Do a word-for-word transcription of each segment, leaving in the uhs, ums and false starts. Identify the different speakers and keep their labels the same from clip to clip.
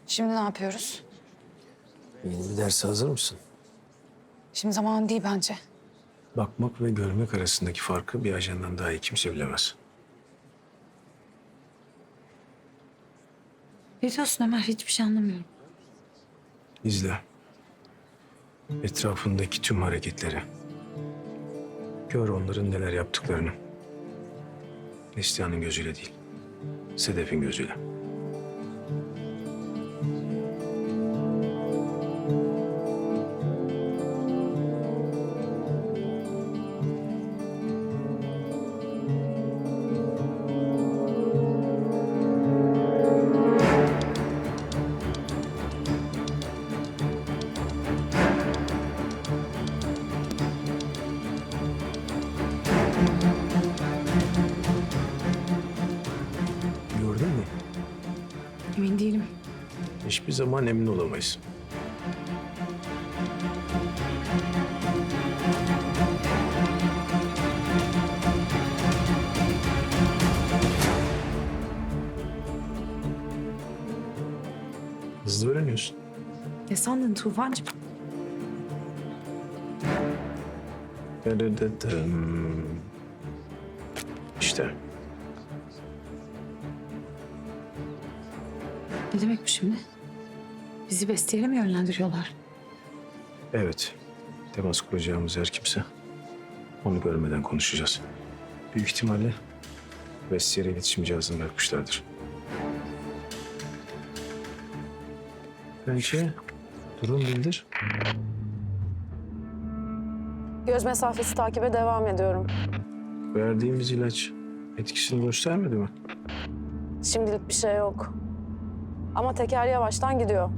Speaker 1: Şimdi ne yapıyoruz?
Speaker 2: Yeni bir derse hazır mısın?
Speaker 1: Şimdi zaman değil bence.
Speaker 2: Bakmak ve görmek arasındaki farkı bir ajandan daha iyi kimse bilemez.
Speaker 1: Ne diyorsun Ömer? Hiçbir şey anlamıyorum.
Speaker 2: İzle. Etrafındaki tüm hareketleri. Gör onların neler yaptıklarını. Neslihan'ın gözüyle değil, Sedef'in gözüyle. Gördün mü?
Speaker 1: Emin değilim.
Speaker 2: Hiçbir zaman emin olamayız. Hızlı öğreniyorsun.
Speaker 1: Ne sandın Tufancığım?
Speaker 2: Dırıdıdım. İşte.
Speaker 1: Ne demek bu şimdi? Bizi Bestiye'yle mi yönlendiriyorlar?
Speaker 2: Evet. Temas kuracağımız her kimse. Onu görmeden konuşacağız. Büyük ihtimalle Vestiyer'e iletişim cihazını bırakmışlardır. Bence durum bildir.
Speaker 3: Göz mesafesi takibe devam ediyorum.
Speaker 2: Verdiğimiz ilaç etkisini göstermedi mi?
Speaker 3: Şimdilik bir şey yok. Ama teker yavaştan gidiyor.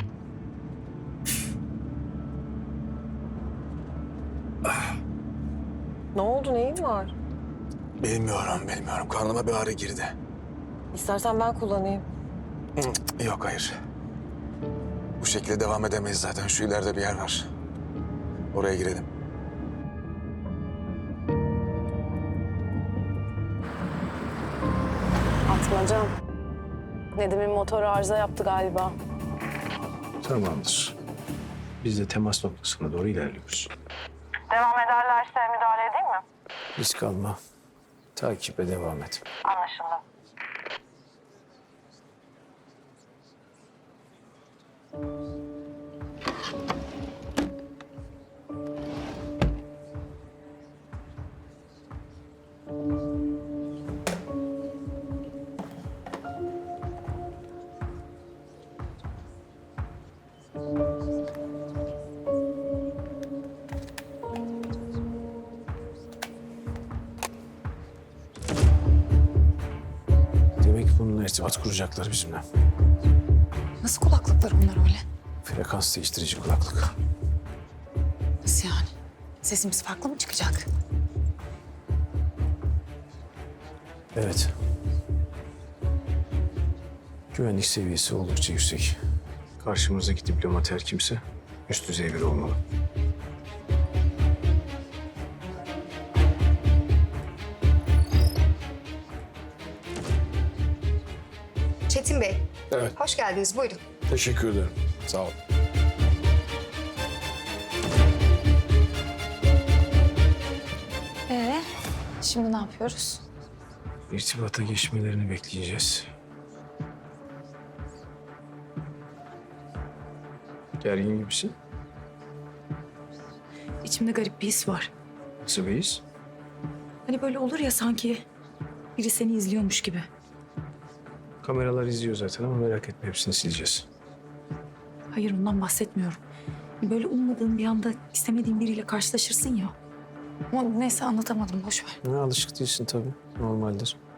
Speaker 3: Ne oldu, neyin var?
Speaker 4: Bilmiyorum, bilmiyorum. Karnıma bir ağrı girdi.
Speaker 3: İstersen ben kullanayım.
Speaker 4: Hı, Yok, hayır. Bu şekilde devam edemeyiz zaten. Şu ileride bir yer var. Oraya girelim.
Speaker 3: Atmacam. Nedim'in motoru arıza yaptı galiba.
Speaker 2: Tamamdır. Biz de temas noktasına doğru ilerliyoruz.
Speaker 3: Devam ederlerse müdahale edeyim mi?
Speaker 2: Risk alma. Takibe devam et.
Speaker 3: Anlaşıldı.
Speaker 2: Demek bununla irtibat kuracaklar bizimle.
Speaker 1: Nasıl kulaklıklar bunlar öyle?
Speaker 2: Frekans değiştirici kulaklık.
Speaker 1: Nasıl yani? Sesimiz farklı mı çıkacak?
Speaker 2: Evet. Güvenlik seviyesi oldukça yüksek. Karşımızdaki diplomat her kimse üst düzey biri olmalı.
Speaker 5: Çetin Bey.
Speaker 4: Evet.
Speaker 5: Hoş geldiniz. Buyurun.
Speaker 4: Teşekkür ederim. Sağ ol.
Speaker 1: Ee, şimdi ne yapıyoruz?
Speaker 2: İrtibata geçmelerini bekleyeceğiz. Gergin gibisin.
Speaker 1: İçimde garip bir his var.
Speaker 2: Nasıl bir his?
Speaker 1: Hani böyle olur ya sanki biri seni izliyormuş gibi.
Speaker 2: Kameralar izliyor zaten ama merak etme, hepsini sileceğiz.
Speaker 1: Hayır, ondan bahsetmiyorum. Böyle ummadığın bir anda istemediğin biriyle karşılaşırsın ya. Ama neyse, anlatamadım, boş ver.
Speaker 2: Ne alışık değilsin tabii. Normaldir.